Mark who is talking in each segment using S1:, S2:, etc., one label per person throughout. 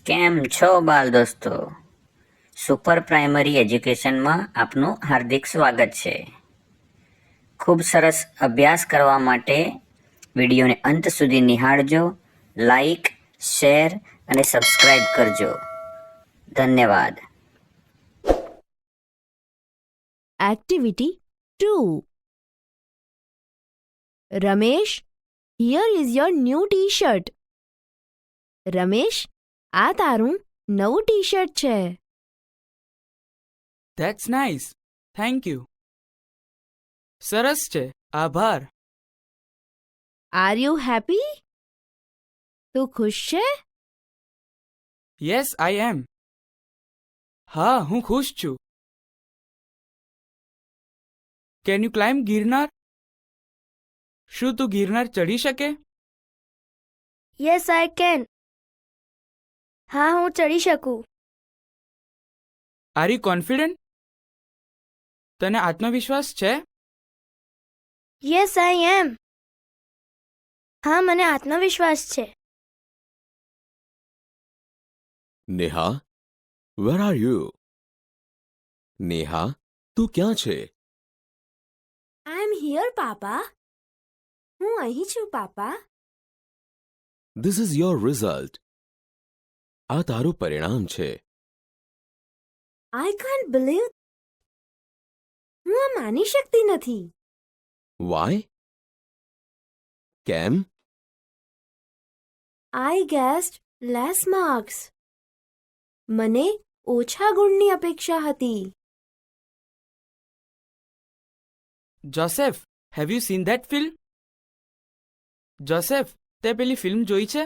S1: કેમ છો બાલ દોસ્તો? સુપર પ્રાઇમરી એજ્યુકેશનમાં આપનું હાર્દિક સ્વાગત છે. ખૂબ સરસ અભ્યાસ કરવા માટે વિડીયોને અંત સુધી નિહાળજો, લાઈક, શેર અને સબસ્ક્રાઇબ કરજો. ધન્યવાદ.
S2: Activity 2. Ramesh, here is your new t-shirt. Ramesh, આ તારું નવું ટી-શર્ટ છે.
S3: That's nice. Thank you. સરસ છે. આભાર.
S2: Are you happy? તું ખુશ છે?
S3: Yes, I am. હા, હું ખુશ છું. Can you climb Girnar? શું તું ગિરનાર ચડી શકે?
S4: Yes I can. હા, હું ચડી શકું.
S3: Are you confident? તને આત્મવિશ્વાસ છે?
S4: Yes I am. હા, મને આત્મવિશ્વાસ છે.
S5: Neha, where are you? Neha, तू ક્યાં છે?
S2: I am here papa. હું અહીં છું પાપા.
S5: This is your result. આ તારું પરિણામ છે.
S2: I can't believe. હું આ માની શકતી નથી.
S5: Why? કેમ?
S2: I guessed less marks. મને ઓછા ગુણની અપેક્ષા હતી.
S3: Joseph, have you seen that film? Joseph, તે પેલી ફિલ્મ જોઈ છે?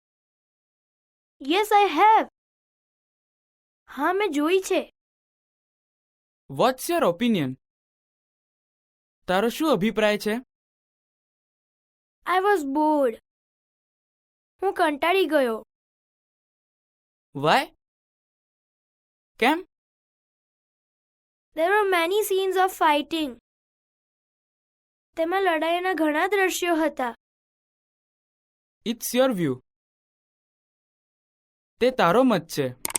S4: Yes I have. હા, મેં જોઈ છે.
S3: What's your opinion? તારો શું અભિપ્રાય છે?
S4: I was bored. હું કંટાળી ગયો.
S3: Why? કેમ?
S4: There were many scenes of fighting. તેમાં લડાઈના ઘણા દ્રશ્યો હતા.
S3: It's your view. તે તારો મત છે.